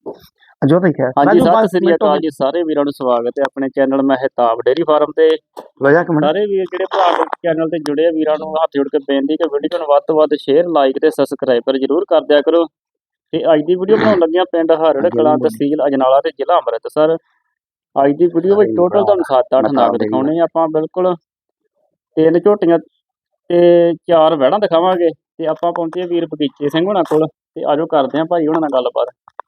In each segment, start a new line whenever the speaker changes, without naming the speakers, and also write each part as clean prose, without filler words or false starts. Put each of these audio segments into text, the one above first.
ਜੋ ਦੇਖਿਆ
ਹਾਂਜੀ ਸਤਿ ਸ੍ਰੀ ਅਕਾਲ ਜੀ ਸਾਰੇ ਵੀਰਾਂ ਨੂੰ ਸਵਾਗਤ ਹੈ ਆਪਣੇ ਚੈਨਲ ਮਹਿਤਾਬ ਡੇਅਰੀ ਫਾਰਮ ਤੇ। ਸਾਰੇ ਵੀਰ ਜਿਹੜੇ ਭਰਾ ਚੈਨਲ ਤੇ ਜੁੜੇ ਆ ਵੀਰਾਂ ਨੂੰ ਹੱਥ ਜੋੜ ਕੇ ਬੇਨਤੀ ਕਿ ਵੀਡੀਓ ਨੂੰ ਵੱਧ ਤੋਂ ਵੱਧ ਸ਼ੇਅਰ ਲਾਈਕ ਤੇ ਸਬਸਕ੍ਰਾਈਬਰ ਜਰੂਰ ਕਰ ਦਿਆ ਕਰੋ। ਤੇ ਅੱਜ ਦੀ ਵੀਡੀਓ ਬਣਾਉਣ ਲੱਗਿਆ ਪਿੰਡ ਹਰੜ ਕਲਾਂ ਤਹਿਸੀਲ ਅਜਨਾਲਾ ਤੇ ਜ਼ਿਲ੍ਹਾ ਅੰਮ੍ਰਿਤਸਰ। ਅੱਜ ਦੀ ਵੀਡੀਓ ਵਿੱਚ ਟੋਟਲ ਤੁਹਾਨੂੰ 7-8 ਨਾਗ ਦਿਖਾਉਣੇ ਆਪਾਂ ਬਿਲਕੁਲ 3 ਝੋਟੀਆਂ ਤੇ 4 ਵਹਿੜਾਂ ਦਿਖਾਵਾਂਗੇ। ਤੇ ਆਪਾਂ ਪਹੁੰਚੇ ਵੀਰ ਬਗੀਚੇ ਸਿੰਘ ਹੋਣਾ ਕੋਲ ਤੇ ਆਜੋ ਕਰਦੇ ਆਂ ਭਾਈ ਹੁਣਾਂ ਨਾਲ ਗੱਲਬਾਤ।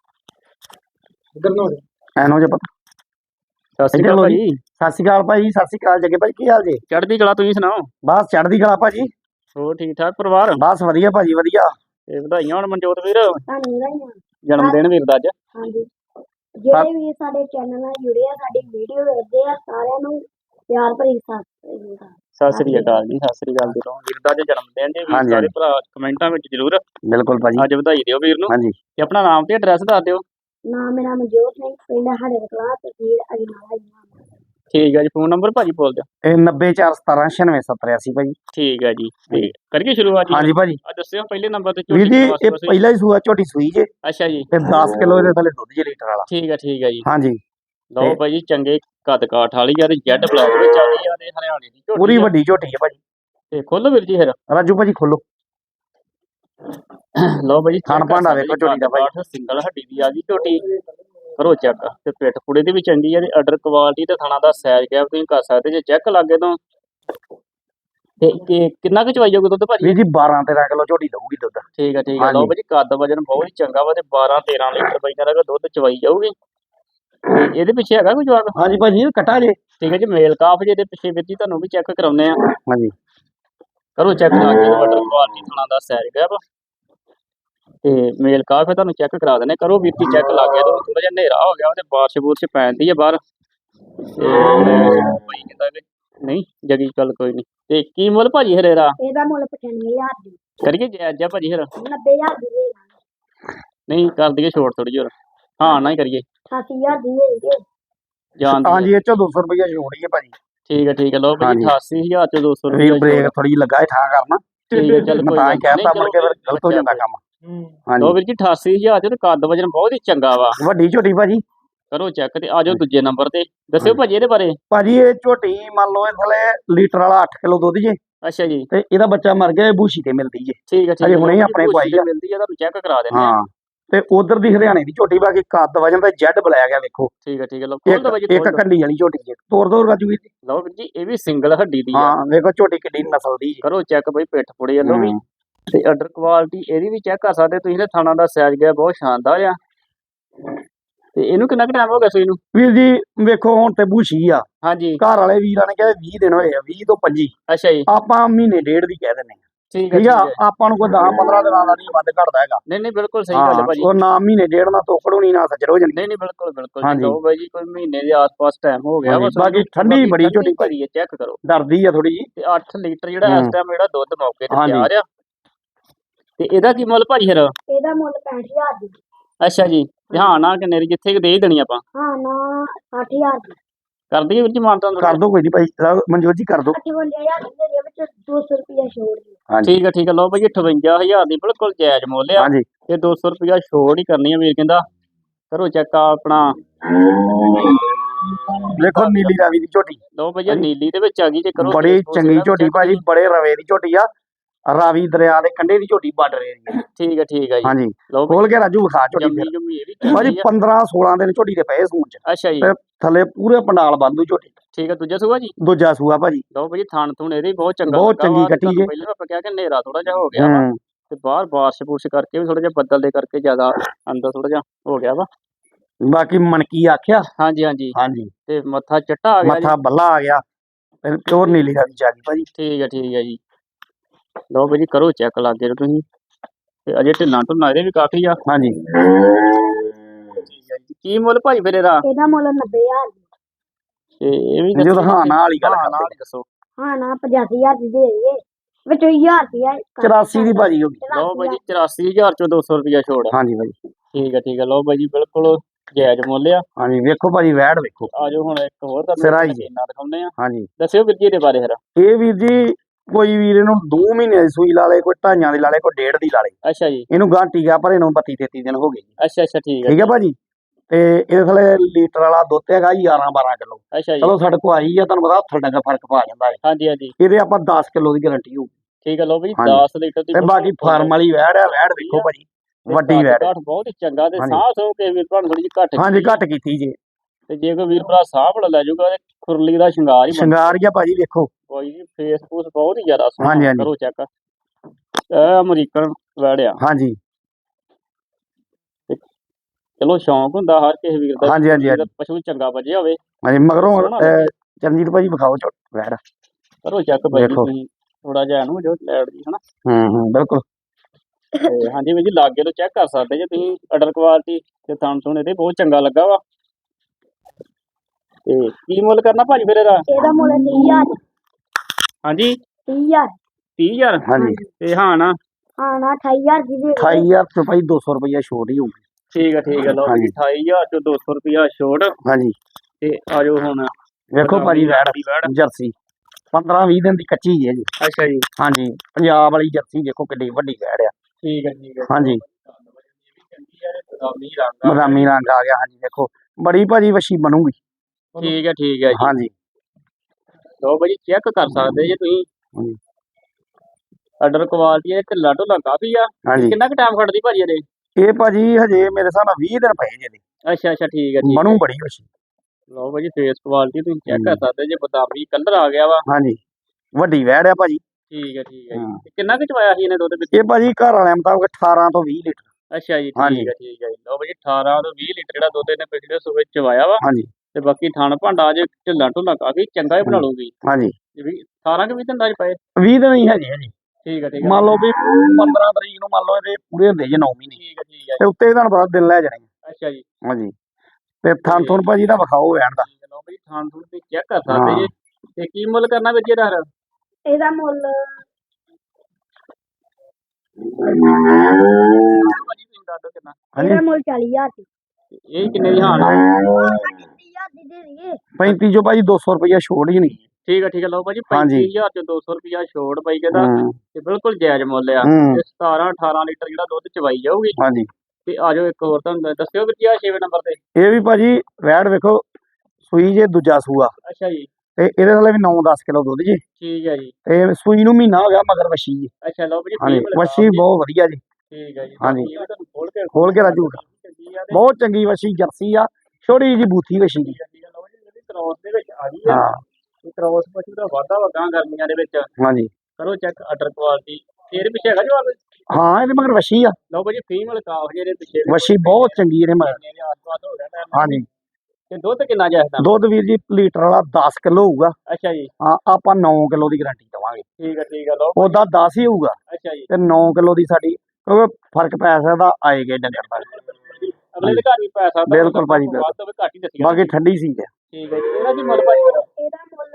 ਐਨੋ ਜੇ ਪਤਾ
ਸਤਿ ਸ਼੍ਰੀ ਅਕਾਲ ਭਾਈ।
ਸਤਿ ਸ਼੍ਰੀ ਅਕਾਲ ਭਾਈ। ਸਤਿ ਸ਼੍ਰੀ ਅਕਾਲ ਜੱਗੇ ਭਾਈ, ਕੀ ਹਾਲ ਜੀ?
ਚੜ੍ਹਦੀ ਕਲਾ, ਤੁਸੀਂ ਸੁਣਾਓ?
ਬਸ ਚੜ੍ਹਦੀ ਕਲਾ ਭਾਜੀ।
ਹੋਰ ਠੀਕ ਠਾਕ ਪਰਿਵਾਰ?
ਬਸ ਵਧੀਆ ਭਾਜੀ ਵਧੀਆ।
ਤੇ ਵਧਾਈਆਂ ਹੁਣ ਮਨਜੋਤ ਵੀਰ, ਜਨਮ ਦਿਨ ਵੀਰ ਦਾ ਅੱਜ।
ਹਾਂਜੀ, ਜਿਹੜੇ ਵੀ ਸਾਡੇ ਚੈਨਲ ਨਾਲ ਜੁੜੇ ਆ, ਸਾਡੀ ਵੀਡੀਓ ਵੇਖਦੇ ਆ, ਸਾਰਿਆਂ ਨੂੰ ਪਿਆਰ ਭਰੀ
ਸਤਿ ਸ੍ਰੀ ਅਕਾਲ ਜੀ। ਸਤਿ ਸ੍ਰੀ ਅਕਾਲ ਜੀ ਵੀਰ ਦਾ ਅੱਜ ਜਨਮ ਦਿਨ ਜੀ। ਵੀਰ ਸਾਰੇ ਭਰਾ ਕਮੈਂਟਾਂ ਵਿੱਚ ਜਰੂਰ
ਬਿਲਕੁਲ ਭਾਜੀ
ਅੱਜ ਵਧਾਈ ਦਿਓ ਵੀਰ ਨੂੰ।
ਹਾਂਜੀ,
ਤੇ ਆਪਣਾ ਨਾਮ ਤੇ ਐਡਰੈਸ ਦੱਸ ਦਿਓ।
ਨਾਮ ਮੇਰਾ ਮਨਜੋਤ ਸਿੰਘ, ਪਿੰਡ ਹਰੜ ਕਲਾਂ, ਤਹਿਸੀਲ ਅਜਨਾਲਾ।
ਠੀਕ ਹੈ ਜੀ। ਫੋਨ ਨੰਬਰ ਭਾਜੀ ਬੋਲ ਦਿਓ।
ਇਹ 9417969783 ਭਾਜੀ।
ਠੀਕ ਹੈ ਜੀ। ਤੇ ਕਰੀਏ ਸ਼ੁਰੂਆਤ ਜੀ?
ਹਾਂਜੀ ਭਾਜੀ।
ਆ ਦੱਸਿਓ ਪਹਿਲੇ ਨੰਬਰ ਤੇ
ਵੀਰ ਜੀ ਇਹ ਪਹਿਲਾ ਹੀ ਸੂਆ ਝੋਟੀ ਸੂਈ ਜੇ।
ਅੱਛਾ ਜੀ।
ਤੇ 10 ਕਿਲੋ ਦੇ ਥੱਲੇ ਦੁੱਧ ਜੇ ਲੀਟਰ ਵਾਲਾ।
ਠੀਕ ਹੈ ਜੀ।
ਹਾਂਜੀ
ਲਓ ਭਾਜੀ, ਚੰਗੇ ਕੱਦ ਕਾਠ ਵਾਲੀ ਆ ਤੇ ਜੈਡ ਬਲੈਕ ਵਿੱਚ ਆਈ ਆ ਤੇ ਹਰਿਆਣੇ ਦੀ ਝੋਟੀ
ਪੂਰੀ ਵੱਡੀ ਝੋਟੀ ਹੈ ਭਾਜੀ।
ਤੇ ਖੋਲੋ ਵੀਰ ਜੀ ਫਿਰ।
ਰਾਜੂ ਭਾਜੀ ਖੋਲੋ।
ਲਓ ਭਾਜੀ,
ਥਣ ਭਾਂਡਾ ਵੇਖੋ ਝੋਟੀ ਦਾ ਭਾਈ।
ਸਿੰਗਲ ਹੱਡੀ ਦੀ ਆ ਗਈ ਝੋਟੀ। ਕਰੋ ਚੈੱਕ। ਤੇ ਪਿੱਠ ਪੁੜੇ ਦੀ ਵੀ ਚੰਗੀ ਆ ਤੇ ਆਰਡਰ ਕੁਆਲਿਟੀ ਤੇ ਥਣਾ ਦਾ ਸਾਈਜ਼ ਗੈਪ ਤੁਸੀਂ ਕਰ ਸਕਦੇ ਜੇ ਚੈੱਕ ਲਾਗੇ ਤੋਂ। ਤੇ ਕਿੰਨਾ ਕੁ ਚਵਾਈ ਜਾਊਗਾ ਦੁੱਧ ਭਾਜੀ?
ਵੀਰ ਜੀ 12-13 ਕਿਲੋ ਝੋਟੀ ਦਊਗੀ ਦੁੱਧ।
ਠੀਕ ਹੈ। ਲਓ ਭਾਜੀ, ਕੱਦ ਵਜਨ ਬਹੁਤ ਹੀ ਚੰਗਾ ਵਾ ਤੇ 12-13 ਲੀਟਰ ਬਾਈ ਦਾ ਦੁੱਧ ਚਵਾਈ ਜਾਊਗੀ। ਤੇ ਇਹਦੇ ਪਿੱਛੇ ਹੈਗਾ ਕੋਈ ਜਵਾਬ?
ਹਾਂਜੀ ਭਾਜੀ, ਕਟਾ ਜੇ।
ਠੀਕ ਹੈ ਜੀ। ਮੇਲ ਕਾਫ ਜੇ ਇਹਦੇ ਪਿੱਛੇ ਵੀਰ ਜੀ ਤੁਹਾਨੂੰ ਵੀ ਚੈੱਕ ਕਰਾਉਨੇ ਆ।
ਹਾਂਜੀ,
ਕਰੋ ਚੈੱਕ ਲਾ ਕੇ ਆਰਡਰ ਕੁਆਲਿਟੀ ਥਣਾ ਦਾ ਸਾਈਜ਼ ਗੈਪ ਤੇ ਮੇਲ ਕਾਫ ਤੁਹਾਨੂੰ ਚੈੱਕ ਕਰਾ ਦਿੰਦੇ। ਕਰੋ ਵੀਰ ਜੀ ਚੈੱਕ ਲਾ ਕੇ। ਥੋੜਾ ਜਿਹਾ ਹਨੇਰਾ ਹੋ ਗਿਆ ਤੇ ਬਾਰਿਸ਼ ਬੂਰਸ਼ ਪੈਂਦੀ ਹੈ ਬਾਹਰ ਤੇ ਨਹੀਂ ਜਗੀ ਚੱਲ ਕੋਈ ਨਹੀਂ। ਤੇ ਕੀ ਮੁੱਲ ਭਾਜੀ ਹਰੇਰਾ?
ਇਹਦਾ ਮੁੱਲ 95,000 ਦੀ।
ਕਰੀਏ ਜਾਇਜ਼ ਭਾਜੀ ਫਿਰ?
90,000 ਦੀ
ਨਹੀਂ ਕਰ ਦਈਏ ਛੋਟ ਥੋੜੀ ਜਿਹੀ। ਹਾਂ ਨਾ ਹੀ ਕਰੀਏ
88,000 ਦੀ ਹੋਏਗੀ
ਜਾਨ।
ਹਾਂਜੀ, ਇਹ ਚੋਂ 200 ਰੁਪਏ ਛੋੜ ਹੀ ਹੈ ਭਾਜੀ।
ਠੀਕ ਹੈ। ਲਓ ਭਾਜੀ 88,000 ਚ 200 ਰੁਪਏ
ਬ੍ਰੇਕ ਥੋੜੀ ਜਿਹੀ ਲੱਗਾ ਹੈ ਠਾਂ ਕਰਨਾ।
ਠੀਕ ਹੈ, ਚੱਲ ਕੋਈ
ਤਾਂ ਕਹਿਤਾ ਮੁੜ ਕੇ ਫਿਰ ਗਲਤ ਹੋ ਜਾਂਦਾ ਕੰਮ।
ਹਾਂਜੀ ਲਓ ਵੀਰ ਜੀ 88,000 ਚ ਤੇ ਕੱਦ ਵਜਨ ਬਹੁਤ ਹੀ ਚੰਗਾ ਵਾ।
ਵੱਡੀ ਝੋਟੀ ਭਾਜੀ।
ਕਰੋ ਚੈੱਕ ਤੇ ਆਜੋ ਦੂਜੇ ਨੰਬਰ ਤੇ। ਦੱਸਿਓ ਭਾਜੀ ਇਹਦੇ ਬਾਰੇ।
ਭਾਜੀ ਇਹ ਝੋਟੀ ਮੰਨ ਲਓ ਇਹ ਥਲੇ ਲੀਟਰ ਵਾਲਾ 8 ਕਿਲੋ ਦੁੱਧ ਜੇ।
ਅੱਛਾ ਜੀ।
ਤੇ ਇਹਦਾ ਬੱਚਾ ਮਰ ਗਿਆ, ਇਹ ਬੂਸ਼ੀ ਤੇ ਮਿਲਦੀ ਜੇ।
ਠੀਕ ਹੈ।
ਅਜੇ ਹੁਣੇ ਆਪਣੇ ਪਾਈ ਆ
ਮਿਲਦੀ ਆ, ਤੁਹਾਨੂੰ ਚੈੱਕ ਕਰਾ ਦਿੰਦੇ ਆ।
ਹਾਂ, ਤੇ ਉਧਰ ਦੀ ਹਰਿਆਣੇ ਦੀ ਝੋਟੀ ਬਾਕੀ ਕੱਦ ਵਜਨ ਦਾ ਜੈਡ ਬਲੈਕ ਆ ਵੇਖੋ।
ਠੀਕ ਹੈ। ਲਓ ਖੋਲ ਦੋ ਭਾਜੀ।
ਇੱਕ ਕੰਡੀ ਵਾਲੀ ਝੋਟੀ ਜੇ। ਤੋੜ ਦੋ ਰਾਜੂ ਵੀਰ ਜੀ।
ਲਓ ਵੀਰ ਜੀ ਇਹ ਵੀ ਸਿੰਗਲ ਹੱਡੀ ਦੀ ਆ।
ਹਾਂ ਵੇਖੋ ਝੋਟੀ ਕਿੱਡੀ ਨਸਲ ਦੀ।
ਕਰੋ ਚੈੱਕ ਬਈ ਪਿੱਠ ਪੁੜੇ ਵੱਲੋਂ ਵੀ ਤੇ ਆਰਡਰ ਕੁਆਲਿਟੀ ਇਹਦੀ ਵੀ ਚੈੱਕ ਕਰ ਸਕਦੇ ਤੁਸੀਂ। ਥਾਣਾ ਦਾ ਸਾਈਜ਼ ਗਿਆ ਬਹੁਤ ਸ਼ਾਨਦਾਰ ਆ। ਤੇ ਇਹਨੂੰ ਕਿੰਨਾ ਕੁ ਟਾਈਮ ਹੋ ਗਿਆ ਸੂਈ ਨੂੰ? ਵੀਰ
ਜੀ ਵੇਖੋ ਹੁਣ ਤੇ ਬੂਸ਼ੀ ਆ।
ਹਾਂਜੀ।
ਘਰ ਵਾਲੇ ਵੀਰਾਂ ਨੇ ਕਹਿੰਦੇ 20 ਦਿਨ ਹੋਏ ਆ, 20 ਤੋਂ 25।
ਅੱਛਾ ਜੀ।
ਆਪਾਂ ਮਹੀਨੇ ਡੇਢ ਦੀ ਕਹਿ ਦਿੰਦੇ ਆ।
ਠੀਕ
ਆ। ਆਪਾਂ ਨੂੰ ਕੋਈ 10-15 ਦਿਨਾਂ ਦਾ ਨਹੀਂ ਵੱਧ ਘਟਦਾ ਹੈਗਾ।
ਨਹੀਂ ਬਿਲਕੁਲ ਸਹੀ ਗੱਲ ਹੈ ਭਾਜੀ।
ਉਹ ਨਾ ਮਹੀਨੇ ਡੇਢ ਨਾਲ ਤੋਕੜੋ ਨਹੀਂ ਨਾ ਸੱਜਰ ਹੋ ਜਾਣੀ।
ਨਹੀਂ ਬਿਲਕੁਲ ਜੀ। ਲਓ ਬਾਈ ਜੀ ਕੋਈ ਮਹੀਨੇ ਦੇ ਆਸ-ਪਾਸ ਟਾਈਮ ਹੋ ਗਿਆ।
ਬਾਕੀ ਠੰਡੀ ਬੜੀ ਝੋਟੀ
ਭਾਜੀ ਚੈੱਕ ਕਰੋ।
ਡਰਦੀ ਆ ਥੋੜੀ ਜੀ।
ਤੇ 8 ਲੀਟਰ ਜਿਹੜਾ ਇਸ ਟਾਈਮ ਜਿਹੜਾ ਦੁੱਧ ਮੌਕੇ ਤੇ ਤਿਆਰ ਆ। ਤੇ ਇਹਦਾ ਕੀ ਮੁੱਲ ਭਾਜੀ ਫਿਰ?
ਇਹਦਾ ਮੁੱਲ 65,000 ਦੀ।
ਅੱਛਾ ਜੀ। ਹਾਂ ਨਾ ਕਿੰਨੇ ਦੀ ਜਿੱਥੇ ਦੇ ਹੀ ਦੇਣੀ ਆਪਾਂ?
ਹਾਂ ਨਾ 60,000 ਦੀ
ਕਰ ਦਈਏ ਵੀਰ ਜੀ ਮਾਨਤਾ?
ਕਰ ਦੋ ਕੋਈ ਨਹੀਂ ਭਾਈ ਮਨਜੋਤ ਜੀ, ਕਰ ਦੋ।
58,000 ਦੇ ਵਿੱਚ 200 ਰੁਪਏ ਛੋੜ ਦਿਓ।
ਠੀਕ ਹੈ। ਲਓ ਭਾਈ 58,000 ਦੀ ਬਿਲਕੁਲ ਜਾਇਜ਼ ਮੁੱਲ ਆ। ਤੇ 200 ਰੁਪਏ ਛੋੜ ਹੀ ਕਰਨੀ ਆ ਵੀਰ ਕਹਿੰਦਾ। ਕਰੋ ਚੈੱਕ ਆਪਣਾ।
ਦੇਖੋ ਨੀਲੀ ਰਾਵੀ ਦੀ ਝੋਟੀ।
ਲਓ ਭਾਈ ਨੀਲੀ ਦੇ ਵਿੱਚ ਆ ਗਈ ਜੇ। ਕਰੋ
ਬੜੀ ਚੰਗੀ ਝੋਟੀ ਭਾਜੀ, ਬੜੇ ਰਵੇ ਦੀ ਝੋਟੀ ਆ। ਰਾਵੀ ਦਰਿਆ ਦੇ ਕੰਢੇ ਦੀ ਝੋਟੀ ਬਾਰਡਰ ਏਰੀਆ।
ਠੀਕ ਹੈ ਜੀ।
ਹਾਂਜੀ ਖੋਲ ਕੇ ਰਾਜੂ ਵਿਖਾ ਝੋਟੀ ਭਾਜੀ। 15-16 ਦਿਨ ਝੋਟੀ ਦੇ ਪਏ ਸੂਣ ਚ।
ਅੱਛਾ ਜੀ।
ਤੇ ਥੱਲੇ ਪੂਰੇ ਪੰਡਾਲ ਬੰਦੂ ਝੋਟੀ।
ਠੀਕ ਹੈ। ਦੂਜਾ ਸੂਆ ਜੀ?
ਦੂਜਾ ਸੂਆ ਭਾਜੀ।
ਲਓ ਭਾਜੀ ਥਣ ਥੁਣ ਇਹਦੇ ਬਹੁਤ ਚੰਗਾ,
ਬਹੁਤ ਚੰਗੀ ਕੱਟੀ ਜੇ।
ਪਹਿਲਾਂ ਆਪਾਂ ਕਿਹਾ ਕਿ ਹਨੇਰਾ ਥੋੜਾ ਜਿਹਾ ਹੋ ਗਿਆ ਵਾ ਤੇ ਬਾਹਰ ਬਾਰਿਸ਼ ਬੂਰਸ਼ ਕਰਕੇ ਵੀ ਥੋੜਾ ਜਿਹਾ ਬੱਦਲ ਦੇ ਕਰਕੇ ਜ਼ਿਆਦਾ ਅੰਦਰ ਥੋੜਾ ਜਿਹਾ ਹੋ ਗਿਆ ਵਾ।
ਬਾਕੀ ਮਣਕੀ ਆਖਿਆ।
ਹਾਂਜੀ। ਤੇ ਮੱਥਾ ਚੱਟਾ ਆ ਗਿਆ।
ਮੱਥਾ ਬੱਲਾ ਆ ਗਿਆ। ਪਿਓਰ ਨੀਲੀ ਰਾਵੀ ਚ ਆ ਗਈ ਭਾਜੀ।
ਠੀਕ ਹੈ ਜੀ। ਲਓ ਭਾਜੀ ਕਰੋ ਚੈੱਕ ਲਾਗੇ ਤੁਸੀਂ। ਤੇ ਅਜੇ ਢਿੱਲਾਂ ਢੁੱਲਾਂ ਇਹਦੇ ਵੀ ਕਾਫੀ ਆ।
ਹਾਂਜੀ।
ਕੀ ਮੁੱਲ ਭਾਈ ਫਿਰ ਇਹਦਾ?
ਇਹਦਾ ਮੁੱਲ 90,000 ਦੀ।
ਤੇ ਇਹ ਵੀ
ਜਦੋਂ ਹਾਂ ਨਾਲ ਵਾਲੀ ਗੱਲ
ਨਾਲ ਦੱਸੋ।
ਹਾਂ ਨਾ 85,000 ਦੀ ਦੇ ਦੇਈਏ ਵਿੱਚੋਂ 1000 ਰੁਪਿਆ
84 ਦੀ ਭਾਜੀ ਹੋ ਗਈ।
ਲਓ ਭਾਜੀ 84,000 ਚੋਂ 200 ਰੁਪਿਆ ਛੋੜ।
ਹਾਂਜੀ ਭਾਜੀ।
ਠੀਕ ਹੈ। ਲਓ ਭਾਜੀ ਬਿਲਕੁਲ ਜਾਇਜ਼ ਮੁੱਲ ਆ।
ਹਾਂਜੀ ਵੇਖੋ ਭਾਜੀ ਵੈੜ ਵੇਖੋ।
ਆਜੋ ਹੁਣ ਇੱਕ ਹੋਰ ਤਾਂ ਮਸ਼ੀਨਾਂ ਦਿਖਾਉਂਦੇ ਆ।
ਹਾਂਜੀ
ਦੱਸਿਓ ਵੀਰ ਜੀ ਇਹਦੇ ਬਾਰੇ ਫਿਰ।
ਇਹ ਵੀਰ ਜੀ ਕੋਈ ਵੀਰ ਇਹਨੂੰ 2 ਮਹੀਨੇ ਦੀ ਸੂਈ ਲਾ ਲੇ, ਕੋਈ 2.5 ਦੀ ਲਾ ਲੇ, ਕੋਈ 1.5 ਦੀ ਲਾ ਲੇ।
ਅੱਛਾ ਜੀ।
ਇਹਨੂੰ ਗਾਂ ਟੀਕਾ ਭਰੇ ਨੂੰ 32-33 ਦਿਨ ਹੋ ਗਏ।
ਅੱਛਾ ਠੀਕ
ਹੈ ਭਾਜੀ। ਤੇ ਇਹਦੇ ਥਲੇ ਲੀਟਰ ਵਾਲਾ ਦੁੱਧ ਹੈਗਾ 11-12 ਕਿਲੋ।
ਅੱਛਾ ਜੀ
ਚਲੋ ਸਾਡੇ ਕੋ ਆਈ ਆ, ਤੁਹਾਨੂੰ ਪਤਾ ਹੱਥ ਡੰਗਾ ਫਰਕ ਪਾ ਜਾਂਦਾ ਹੈ।
ਹਾਂਜੀ ਹਾਂਜੀ
ਇਹਦੇ ਆਪਾਂ 10 ਕਿਲੋ ਦੀ ਗਾਰੰਟੀ ਹੋਊ।
ਠੀਕ ਹੈ। ਲਓ ਭਾਜੀ
ਹਾਂਜੀ।
10 ਲੀਟਰ ਦੀ
ਤੇ ਬਾਕੀ ਫਾਰਮ ਵਾਲੀ ਵੈੜ ਆ, ਵੈੜ ਵੇਖੋ ਭਾਜੀ ਵੱਡੀ ਵੈੜ ਹੈ।
ਘੱਟ ਬਹੁਤ ਹੀ ਚੰਗਾ ਤੇ
ਹਾਂਜੀ।
ਸਾਹ ਸੋ ਕੇ ਵੀਰ ਭਰਾ ਥੋੜੀ ਜਿਹੀ ਘੱਟ
ਹਾਂਜੀ
ਕੀਤੀ
ਘੱਟ ਕੀਤੀ ਜੇ।
ਤੇ ਜੇ ਕੋਈ ਵੀਰ ਭਰਾ ਸਾਹ ਬੜਾ ਲੈ ਜਾਊਗਾ ਤੇ ਖੁਰਲੀ ਦਾ ਸ਼ਿੰਗਾਰ ਹੀ ਬਣ
ਸ਼ਿੰਗਾਰ ਹੀ ਆ ਭਾਜੀ ਵੇਖੋ।
ਕੋਈ ਜੀ ਫੇਸ ਫੂਸ ਬਹੁਤ ਹੀ ਜ਼ਿਆਦਾ
ਹਾਂਜੀ,
ਸੋਹਣਾ।
ਹਾਂਜੀ।
ਕਰੋ ਚੈੱਕ। ਇਹ ਅਮਰੀਕਨ ਵੈੜ ਆ।
ਹਾਂਜੀ
ਚਲੋ ਸ਼ੌਂਕ ਹੁੰਦਾ ਹਰ ਕਿਸੇ ਵੀਰ ਦਾ
ਹਾਂਜੀ ਹਾਂਜੀ ਹਾਂਜੀ।
ਪਸ਼ੂ ਚੰਗਾ ਵੱਜਿਆ ਹੋਵੇ।
ਹਾਂਜੀ ਮਗਰੋਂ
ਸੋਹਣਾ ਲੱਗੇ।
ਚਰਨਜੀਤ ਭਾਜੀ ਵਿਖਾਓ ਵੈੜ।
ਕਰੋ ਚੈੱਕ ਭਾਈ
ਵੇਖੋ।
ਤੁਸੀਂ ਥੋੜਾ ਜਿਹਾ ਨੂੰ ਜੋ ਲੈਟ ਦੀ ਹਨਾ।
ਬਿਲਕੁਲ।
ਤੇ ਹਾਂਜੀ ਵੀਰ ਜੀ ਲਾਗੇ ਤੋਂ ਚੈੱਕ ਕਰ ਸਕਦੇ ਜੇ ਤੁਸੀਂ ਆਰਡਰ ਕੁਆਲਿਟੀ ਤੇ ਥਣ ਥੁਣ ਇਹਦੇ ਬਹੁਤ ਚੰਗਾ ਲੱਗਾ ਵਾ। ਤੇ ਕੀ ਮੁੱਲ ਕਰਨਾ ਭਾਜੀ ਫਿਰ ਇਹਦਾ?
ਇਹਦਾ ਮੁੱਲ 30,000।
ਹਾਂਜੀ
30,000।
30,000
ਹਾਂਜੀ
ਤੇ ਹਾਂ ਨਾ
ਹਾਂ ਨਾ 28,000 ਦੀ ਦੇ
28,000 ਚ ਭਾਈ 200 ਰੁਪਇਆ ਛੋਟ ਹੀ ਹੋਊਗੀ।
ਠੀਕ ਹੈ। ਲਓ ਜੀ 28,000 ਚੋਂ 200 ਰੁਪਇਆ ਛੋਟ।
ਹਾਂਜੀ
ਤੇ ਆਜੋ ਹੁਣ
ਵੇਖੋ ਭਾਜੀ ਵੈੜ ਜਰਸੀ 15-20 ਦਿਨ ਦੀ ਕੱਚੀ ਹੈ ਜੀ।
ਅੱਛਾ ਜੀ
ਹਾਂਜੀ ਪੰਜਾਬ ਵਾਲੀ ਜਰਸੀ ਦੇਖੋ ਕਿੱਡੀ ਵੱਡੀ ਵੈੜ ਆ।
ਠੀਕ ਹੈ
ਹਾਂਜੀ
ਰੰਗ
ਬਦਾਮੀ ਰੰਗ ਆ ਗਿਆ। ਹਾਂਜੀ ਦੇਖੋ ਬੜੀ ਭਾਜੀ ਵੱਛੀ ਬਣੂਗੀ।
ਠੀਕ ਹੈ ਜੀ
ਹਾਂਜੀ
ਲਓ ਭਾਜੀ ਚੈੱਕ ਕਰ ਸਕਦੇ ਜੇ ਤੁਸੀਂ
ਹਾਂਜੀ
ਆਰਡਰ ਕੁਆਲਿਟੀ ਤੇ ਲਾਡੋ ਲਾ ਕਾਫੀ ਆ।
ਹਾਂਜੀ।
ਕਿੰਨਾ ਕੁ ਟਾਈਮ ਖੜਦੀ ਭਾਜੀ ਇਹਦੇ?
ਇਹ ਭਾਜੀ ਹਜੇ ਮੇਰੇ ਹਿਸਾਬ ਨਾਲ 20 ਦਿਨ ਪਏ ਜੇ।
ਅੱਛਾ ਠੀਕ ਹੈ
ਬਣੂ ਬੜੀ ਵੱਛੀ।
ਲਓ ਭਾਜੀ ਫੇਸ ਕੁਆਲਿਟੀ ਤੁਸੀਂ ਚੈੱਕ ਕਰ ਸਕਦੇ ਜੇ ਬਦਾਮੀ ਕਲਰ ਆ ਗਿਆ ਵਾ।
ਹਾਂਜੀ ਵੱਡੀ ਵੈੜ ਆ ਭਾਜੀ।
ਠੀਕ ਹੈ ਜੀ ਤੇ ਕਿੰਨਾ ਕੁ ਚਵਾਇਆ ਸੀ ਇਹਨੇ ਦੁੱਧ ਵਿੱਚ?
ਇਹ ਭਾਜੀ ਘਰ ਵਾਲਿਆਂ ਮੁਤਾਬਕ 18 ਤੋਂ 20 ਲੀਟਰ।
ਅੱਛਾ ਜੀ ਠੀਕ ਹੈ ਜੀ ਲਓ ਭਾਜੀ 18 ਤੋਂ 20 ਲੀਟਰ ਜਿਹੜਾ ਦੁੱਧ ਇਹਨੇ ਪਿਛਲੇ ਸੂਬੇ ਚਵਾਇਆ ਵਾ।
ਹਾਂਜੀ
ਤੇ ਬਾਕੀ ਥਣ ਭਾਂਡਾ ਜੇ ਢਿੱਲਾ ਢੁੱਲਾ ਕਾਫੀ ਚੰਗਾ ਹੀ ਬਣਾ ਲੂਗੀ।
ਹਾਂਜੀ
18 ਕਿ 20 ਦਿਨ ਦਾ ਪਏ?
20 ਦਿਨ ਹੀ ਹੈਗੇ ਜੀ।
ਠੀਕ ਹੈ
ਮੰਨ ਲਓ ਵੀ 15 ਤਰੀਕ ਨੂੰ ਮੰਨ ਲਓ ਇਹਦੇ ਪੂਰੇ ਹੁੰਦੇ ਜੇ 9 ਮਹੀਨੇ।
ਠੀਕ ਹੈ
ਤੇ ਉੱਤੇ ਤੁਹਾਨੂੰ ਪਤਾ ਦਿਨ ਲੈ ਜਾਣੇ।
ਅੱਛਾ ਜੀ
ਹਾਂਜੀ ਤੇ ਥਣ ਥੁਣ ਭਾਜੀ ਦਾ ਵਿਖਾਓ ਵੈਣ ਦਾ।
ਲਓ ਭਾਜੀ ਥਣ ਥੁਣ ਤੇ ਚੈੱਕ ਕਰ ਸਕਦੇ ਜੇ। ਤੇ ਕੀ ਮੁੱਲ ਕਰਨਾ ਵੀਰ ਜੀ ਇਹਦਾ?
ਇਹਦਾ ਮੁੱਲ
ਭਾਜੀ ਤੁਸੀਂ ਦੱਸ ਦਿਓ ਕਿੰਨਾ।
ਇਹਦਾ ਮੁੱਲ 40,000।
ਇਹ ਕਿੰਨੇ ਦੀ ਹਾਂ?
30,000 ਦੀ ਦੇ ਦਈਏ।
35 ਜੋ ਭਾਜੀ 200 ਰੁਪਇਆ ਛੋੜ ਹੀ ਨਹੀਂ।
ਠੀਕ ਹੈ ਲਓ ਭਾਜੀ 35,000 ਚ 200 ਰੁਪਇਆ ਛੋੜ ਪਈ ਇਹਦਾ। ਤੇ ਬਿਲਕੁਲ ਜਾਇਜ਼ ਮੁੱਲ ਆ। ਤੇ 17-18 ਲੀਟਰ ਜਿਹੜਾ ਦੁੱਧ ਚਵਾਈ ਜਾਊਗੀ।
ਹਾਂਜੀ
ਤੇ ਆਜੋ ਇੱਕ ਹੋਰ ਤੁਹਾਨੂੰ ਦੱਸਿਓ ਵੀਰ ਜੀ ਆ 6ਵੇਂ ਨੰਬਰ ਤੇ।
ਇਹ ਵੀ ਭਾਜੀ ਵੈੜ ਵੇਖੋ ਸੂਈ ਜੇ ਦੂਜਾ ਸੂਆ।
ਅੱਛਾ ਜੀ
ਤੇ ਇਹਦੇ ਥੱਲੇ ਵੀ 9-10 ਕਿਲੋ ਦੁੱਧ ਜੀ।
ਠੀਕ ਹੈ ਜੀ
ਤੇ ਸੂਈ ਨੂੰ ਮਹੀਨਾ ਹੋ ਗਿਆ ਮਗਰ ਵੱਛੀ ਜੀ।
ਅੱਛਾ ਲਓ ਭਾਜੀ
ਹਾਂਜੀ ਵੱਛੀ ਬਹੁਤ ਵਧੀਆ ਜੀ।
ਠੀਕ ਹੈ ਜੀ
ਹਾਂਜੀ
ਤੁਹਾਨੂੰ
ਖੋਲ ਕੇ ਰਾਜੂ ਬਹੁਤ ਚੰਗੀ ਵੱਛੀ ਜਰਸੀ ਆ। ਛੋਟੀ ਜੀ ਬੂਥੀ ਵੱਛੀ ਜੀ।
ਕ੍ਰੋਸ ਦੇ ਵਿੱਚ ਆ ਗਈ ਆ। ਇਹ ਕ੍ਰੋਸ ਪਸ਼ੂ ਦਾ ਵਾਧਾ ਵਗਾ ਗਰਮੀਆਂ ਦੇ ਵਿੱਚ।
ਹਾਂਜੀ
ਕਰੋ ਚੈੱਕ ਆਰਡਰ ਕੁਆਲਿਟੀ ਫੇਰ ਪਿੱਛੇ ਹੈਗਾ ਜਵਾਬ?
ਹਾਂ ਇਹਦੇ ਮਗਰ ਵੱਛੀ ਆ।
ਲਓ ਭਾਜੀ ਫੀਮੇਲ ਕਾਫ ਜਿਹੜੇ ਪਿੱਛੇ
ਵੱਛੀ ਬਹੁਤ ਚੰਗੀ ਇਹਦੇ ਮਗਰ।
ਆਸ-ਪਾਸ ਹੋ ਗਿਆ
ਹਾਂਜੀ
ਤੇ ਦੁੱਧ ਕਿੰਨਾ ਜਾਇਦਾ?
ਦੁੱਧ ਵੀਰ ਜੀ ਲੀਟਰ ਵਾਲਾ 10 ਕਿਲੋ ਹੋਊਗਾ।
ਅੱਛਾ ਜੀ
ਹਾਂ ਆਪਾਂ 9 ਕਿਲੋ ਦੀ ਗਾਰੰਟੀ ਦਵਾਂਗੇ।
ਠੀਕ ਹੈ ਲਓ
ਉਹਦਾ 10 ਹੀ ਹੋਊਗਾ।
ਅੱਛਾ ਜੀ
ਤੇ 9 ਕਿਲੋ ਦੀ ਸਾਡੀ ਕਿਉਂਕਿ ਫਰਕ ਪੈ ਸਕਦਾ ਆਏ ਗਏ ਡੰਗਰ ਦਾ।
ਅਗਲੇ ਦੇ ਘਰ ਵੀ ਪੈ ਸਕਦਾ।
ਬਿਲਕੁਲ ਭਾਜੀ
ਵੱਧ ਘੱਟ ਹੀ ਦੱਸਿਆ।
ਬਾਕੀ ਠੰਡੀ ਸੀ ਹੈ।
ਠੀਕ ਹੈ ਜੀ ਇਹਦਾ ਕੀ ਮੁੱਲ ਭਾਜੀ?
ਇਹਦਾ ਮੁੱਲ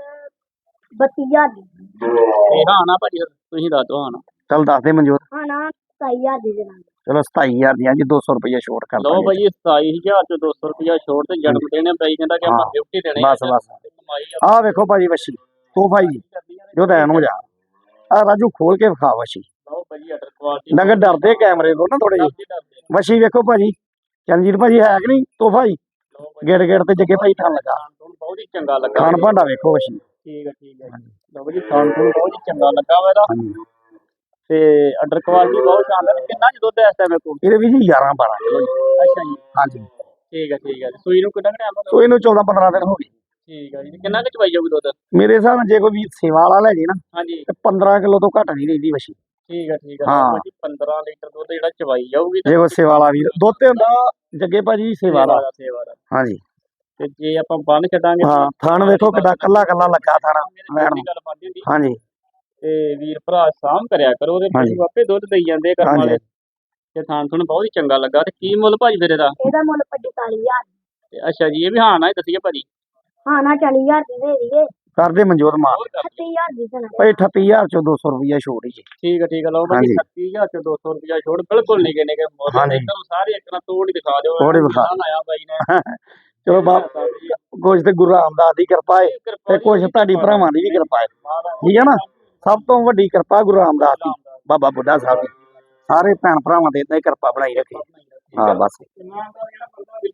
32,000 ਦੀ।
ਤੇ ਹਾਂ ਨਾ ਭਾਜੀ ਤੁਸੀਂ ਦੱਸ ਦਿਓ ਹਾਂ ਨਾ।
ਚਲ ਦੱਸ ਦੇ ਮਨਜੋਤ।
ਹਾਂ ਨਾ 27,000 ਦੀ ਦੇਣਾ।
ਚਲੋ 27,000 ਦੀਆਂ ਜੀ 200 ਰੁਪਇਆ ਛੋਟ ਕਰ
ਲਓ ਭਾਜੀ 27,000 ਚ 200 ਰੁਪਇਆ ਛੋੜ ਤੇ ਜਨਮ ਦੇਣੇ ਬਾਈ ਕਹਿੰਦਾ ਕਿ ਆਪਾਂ ਗਿਫਟ ਹੀ ਦੇਣੇ।
ਬਸ ਆਹ ਵੇਖੋ ਭਾਜੀ ਵੱਛੀ ਤੋਹਫਾ ਜੀ ਜੋ ਦੇਣ ਹੋ ਜਾ। ਆ ਰਾਜੂ ਖੋਲ ਕੇ ਵਿਖਾ ਵੱਛੀ।
ਲਓ ਭਾਜੀ ਆਰਡਰ ਕੁਆਲਿਟੀ
ਡੰਗਰ ਡਰਦੇ ਕੈਮਰੇ ਤੋਂ ਨਾ ਥੋੜੇ ਜਿਹੇ। ਵੱਛੀ ਵੇਖੋ ਭਾਜੀ ਚਰਨਜੀਤ ਭਾਜੀ ਹੈ ਕਿ ਨਹੀਂ ਤੋਹਫਾ ਜੀ। ਗੇੜ ਗੇੜ ਤੇ ਜੱਗੇ ਭਾਈ ਥਣ ਲੱਗਾ।
ਬਹੁਤ ਹੀ ਚੰਗਾ ਲੱਗਾ।
ਖਾਣ ਭਾਂਡਾ ਵੇਖੋ ਵੱਛੀ।
ਠੀਕ ਹੈ ਲਓ ਭਾਜੀ ਖਾਣ ਬਹੁਤ ਹੀ ਚੰਗਾ ਲੱਗਾ ਵਾ ਇਹਦਾ। ਤੇ ਆਰਡਰ ਕੁਆਲਿਟੀ ਬਹੁਤ ਸ਼ਾਨਦਾਰ। ਕਿੰਨਾ ਚ ਦੁੱਧ ਇਸ ਟਾਈਮ ਕੋਲ?
ਇਹਦੇ ਵੀ ਜੀ 11-12 ਕਿਲੋ ਜੀ।
ਅੱਛਾ ਜੀ
ਹਾਂਜੀ
ਠੀਕ ਹੈ ਸੂਈ ਨੂੰ ਕਿੰਨਾ ਟਾਈਮ ਹੋ ਗਿਆ?
ਸੂਈ ਨੂੰ 14-15 ਦਿਨ ਹੋ ਗਏ।
ਠੀਕ ਹੈ ਜੀ ਕਿੰਨਾ ਕੁ ਚਵਾਈ ਜਾਊਗੀ ਦੁੱਧ?
ਮੇਰੇ ਹਿਸਾਬ ਨਾਲ ਜੇ ਕੋਈ ਵੀ ਸੇਵਾ ਵਾਲਾ ਲੈ ਜੇ ਨਾ
ਹਾਂਜੀ
ਤੇ 15 ਕਿਲੋ ਤੋਂ ਘੱਟ ਨਹੀਂ ਰਹਿੰਦੀ ਵੱਛੀ।
ਠੀਕ ਹੈ
ਹਾਂ
15 ਲੀਟਰ ਦੁੱਧ ਜਿਹੜਾ ਚਵਾਈ ਜਾਊਗੀ।
ਜੇ ਕੋਈ ਸੇਵਾ ਵਾਲਾ ਵੀਰ ਦੁੱਧ ਤੇ ਹੁੰਦਾ ਜੱਗੇ ਭਾਜੀ ਸੇਵਾ ਦਾ। ਹਾਂਜੀ
ਤੇ ਜੇ ਆਪਾਂ ਬੰਨ ਛੱਡਾਂਗੇ
ਹਾਂ ਥਣ ਵੇਖੋ ਕਿੱਡਾ ਕੱਲਾ ਲੱਗਾ ਥਣ ਵੈਣ ਨੂੰ।
ਗੱਲ ਬਣਦੀ ਹੁੰਦੀ।
ਹਾਂਜੀ
ਤੇ ਵੀਰ ਭਰਾ ਸਾਂਭ ਕਰਿਆ ਕਰੋ ਉਹਦੇ ਪਸ਼ੂ ਆਪੇ ਦੁੱਧ ਦੇਈ ਜਾਂਦੇ ਕਰਮ ਵਾਲੇ। ਤੇ ਥਾਣ ਥੁਣ ਬਹੁਤ ਹੀ ਚੰਗਾ ਲੱਗਾ। ਤੇ ਕੀ ਮੁੱਲ ਭਾਜੀ ਫਿਰ ਇਹਦਾ?
ਇਹਦਾ ਮੁੱਲ 45,000।
ਤੇ ਅੱਛਾ ਜੀ ਇਹ ਵੀ ਹਾਂ ਨਾ ਹੀ ਦੱਸੀਏ ਭਾਜੀ।
ਹਾਂ ਨਾ 40,000 ਦੀ ਦੇ ਦਈਏ।
ਕਰਦੇ ਮਨਜੋਤ ਮਾਰ
38,000 ਦੀ ਦੇਣਾ।
ਭਾਈ 38,000 ਚੋਂ 200 ਰੁਪਇਆ ਛੋੜ ਹੀ ਜੀ।
ਠੀਕ ਹੈ ਲਓ ਭਾਜੀ 38,000 ਚ 200 ਰੁਪਇਆ ਛੋੜ ਬਿਲਕੁਲ ਨਹੀਂ ਕਿਨੇ ਕੇ ਮੁੱਲ। ਤੁਹਾਨੂੰ ਸਾਰੇ ਇੱਕ ਨਾਲ ਤੋੜ ਹੀ ਦਿਖਾ ਦਿਓ।
ਥੋੜੇ ਵਿਖਾ
ਆਇਆ ਬਾਈ ਨੇ।
ਚਲੋ ਬਾਪ ਕੁਝ ਤੇ ਗੁਰੂ ਰਾਮਦਾਸ ਦੀ ਕਿਰਪਾ ਹੈ ਤੇ ਕੁਝ ਤੁਹਾਡੀ ਭਰਾਵਾਂ ਦੀ ਵੀ ਕਿਰਪਾ ਹੈ। ਠੀਕ ਹੈ ਨਾ ਸਭ ਤੋਂ ਵੱਡੀ ਕਿਰਪਾ ਗੁਰੂ ਰਾਮਦਾਸ ਦੀ ਬਾਬਾ ਬੁੱਢਾ ਸਾਹਿਬ ਦੀ। ਸਾਰੇ ਭੈਣ ਭਰਾਵਾਂ ਦੇ ਇਦਾਂ ਹੀ ਕਿਰਪਾ ਬਣਾਈ ਰੱਖੇ। ਹਾਂ ਬਸ।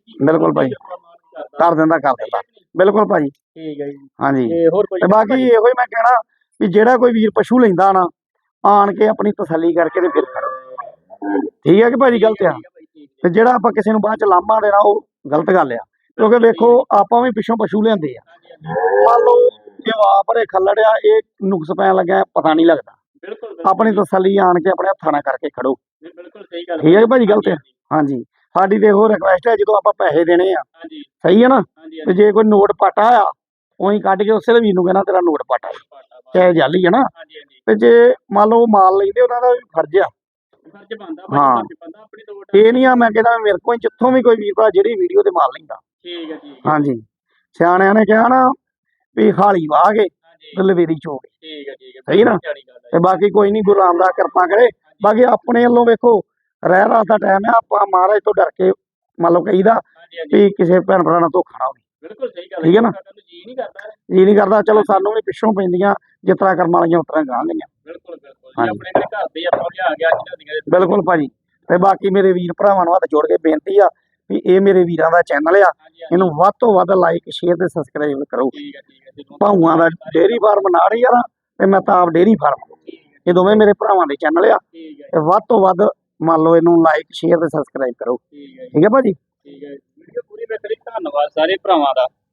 ਬਿਲਕੁਲ ਭਾਈ ਕਰ ਦਿੰਦਾ ਬਿਲਕੁਲ ਭਾਜੀ
ਠੀਕ ਹੈ ਜੀ
ਹਾਂਜੀ
ਤੇ ਹੋਰ ਕੋਈ
ਤੇ ਬਾਕੀ ਇਹੋ ਹੀ ਮੈਂ ਕਹਿਣਾ ਵੀ ਜਿਹੜਾ ਕੋਈ ਵੀਰ ਪਸ਼ੂ ਲੈਂਦਾ ਨਾ ਆਣ ਕੇ ਆਪਣੀ ਤਸੱਲੀ ਕਰਕੇ ਤੇ ਫਿਰ ਖੜੋ ਠੀਕ ਹੈ ਕਿ ਭਾਜੀ ਗਲਤ ਆ ਤੇ ਜਿਹੜਾ ਆਪਾਂ ਕਿਸੇ ਨੂੰ ਬਾਅਦ ਚ ਲਾਮਾ ਦੇਣਾ ਉਹ ਗਲਤ ਗੱਲ ਆ ਕਿਉਂਕਿ ਵੇਖੋ ਆਪਾਂ ਵੀ ਪਿੱਛੋਂ ਪਸ਼ੂ ਲਿਆਂਦੇ ਆ ਮੰਨ ਲਓ ਜੇ ਆ ਭਰੇ ਖੱਲੜ ਆ ਇਹ ਨੁਕਸ ਪੈਣ ਲੱਗਾ ਪਤਾ ਨਹੀਂ ਲੱਗਦਾ
ਬਿਲਕੁਲ
ਆਪਣੀ ਤਸੱਲੀ ਆਣ ਕੇ ਆਪਣੇ ਹੱਥਾਂ ਨਾਲ ਕਰਕੇ ਖੜੋ
ਬਿਲਕੁਲ ਸਹੀ ਗੱਲ
ਠੀਕ ਹੈ ਕਿ ਭਾਜੀ ਗਲਤ ਆ ਹਾਂਜੀ ਸਾਡੀ ਤੇ ਇਹੋ ਰਿਕੁਐਸਟ ਹੈ ਜਦੋਂ ਆਪਾਂ ਪੈਸੇ ਦੇਣੇ ਆ
ਹਾਂਜੀ
ਸਹੀ ਹੈ ਨਾ
ਹਾਂਜੀ
ਤੇ ਜੇ ਕੋਈ ਨੋਟ ਪਾਟਾ ਆ ਉਹੀ ਕੱਢ ਕੇ ਉਸੇ ਵੀਰ ਨੂੰ ਕਹਿਣਾ ਤੇਰਾ ਨੋਟ ਪਾਟਾ ਚਾਹੇ ਜਾਲੀ ਹੈ ਨਾ
ਹਾਂਜੀ ਹਾਂਜੀ
ਤੇ ਜੇ ਮੰਨ ਲਓ ਮਾਲ ਲੈਂਦੇ ਉਹਨਾਂ ਦਾ ਵੀ ਫਰਜ਼ ਆ
ਫਰਜ਼ ਬਣਦਾ
ਹਾਂ।
ਬੰਦਾ ਆਪਣੀ ਤੋੜ
ਇਹ ਨਹੀਂ ਆ ਮੈਂ ਕਹਿੰਦਾ ਮੇਰੇ ਕੋਲ ਜਿੱਥੋਂ ਵੀ ਕੋਈ ਵੀਰ ਭਰਾ ਜਿਹੜੀ ਵੀਡੀਓ ਤੇ ਮਾਲ ਲੈਂਦਾ
ਠੀਕ ਹੈ ਠੀਕ
ਹਾਂਜੀ ਸਿਆਣਿਆਂ ਨੇ ਕਿਹਾ ਨਾ ਵੀ ਹਾਲੀ ਵਾਹ ਕੇ
ਹਾਂਜੀ
ਤੇ ਲਵੇਰੀ ਚੋ ਕੇ
ਠੀਕ ਹੈ
ਸਹੀ ਨਾ ਤੇ ਬਾਕੀ ਕੋਈ ਨਹੀਂ ਗੁਰੂ ਰਾਮਦਾਸ ਕਿਰਪਾ ਕਰੇ ਬਾਕੀ ਆਪਣੇ ਵੱਲੋਂ ਵੇਖੋ ਰਹਿ ਰਾਸ ਦਾ ਟਾਈਮ ਆ ਆਪਾਂ ਮਹਾਰਾਜ ਤੋਂ ਡਰ ਕੇ ਮੰਨ ਲਓ ਕਹੀਦਾ
ਹਾਂਜੀ ਹਾਂਜੀ
ਵੀ ਕਿਸੇ ਭੈਣ ਭਰਾ ਨਾਲ ਧੋਖਾ ਨਾ ਹੋਵੇ
ਬਿਲਕੁਲ ਸਹੀ ਗੱਲ
ਠੀਕ ਹੈ ਨਾ?
ਜੀ ਨਹੀਂ ਕਰਦਾ
ਜੀ ਨਹੀਂ ਕਰਦਾ ਚਲੋ ਸਾਨੂੰ ਵੀ ਪਿੱਛੋਂ ਪੈਂਦੀਆਂ ਜਿਸ ਤਰ੍ਹਾਂ ਕਰਮ ਵਾਲੀਆਂ ਉਸ ਤਰ੍ਹਾਂ ਗਾਂ ਗਈਆਂ
ਬਿਲਕੁਲ ਬਿਲਕੁਲ ਜੀ
ਹਾਂਜੀ।
ਆਪਣੇ ਘਰੇ ਘਰ ਦੇ ਆਪਾਂ ਲਿਆ ਗਿਆ ਅੱਜ
ਬਿਲਕੁਲ ਭਾਜੀ ਤੇ ਬਾਕੀ ਮੇਰੇ ਵੀਰ ਭਰਾਵਾਂ ਨੂੰ ਹੱਥ ਜੋੜ ਕੇ ਬੇਨਤੀ ਆ ਵੀ ਇਹ ਮੇਰੇ ਵੀਰਾਂ ਦਾ ਚੈਨਲ ਆ
ਹਾਂਜੀ ਹਾਂਜੀ
ਇਹਨੂੰ ਵੱਧ ਤੋਂ ਵੱਧ ਲਾਈਕ ਸ਼ੇਅਰ ਤੇ ਸਬਸਕ੍ਰਾਈਬ ਕਰੋ
ਠੀਕ ਹੈ ਜੀ
ਭਾਊਆਂ ਦਾ ਡੇਅਰੀ ਫਾਰਮ ਨਾੜੀ ਆ ਨਾ ਤੇ ਮਹਿਤਾਬ ਡੇਅਰੀ ਫਾਰਮ ਇਹ ਦੋਵੇਂ ਮੇਰੇ ਭਰਾਵਾਂ ਦੇ ਚੈਨਲ ਆ
ਠੀਕ ਹੈ
ਤੇ ਵੱਧ ਤੋਂ ਵੱਧ ਮੰਨ ਲਓ ਇਹਨੂੰ ਲਾਈਕ ਸ਼ੇਅਰ ਤੇ ਸਬਸਕ੍ਰਾਈਬ ਕਰੋ
ਠੀਕ ਹੈ
ਠੀਕ ਹੈ ਭਾਜੀ
ਠੀਕ ਹੈ ਵੀਡੀਓ ਪੂਰੀ ਵੇਖਣ ਲਈ ਧੰਨਵਾਦ ਸਾਰੇ ਭਰਾਵਾਂ ਦਾ।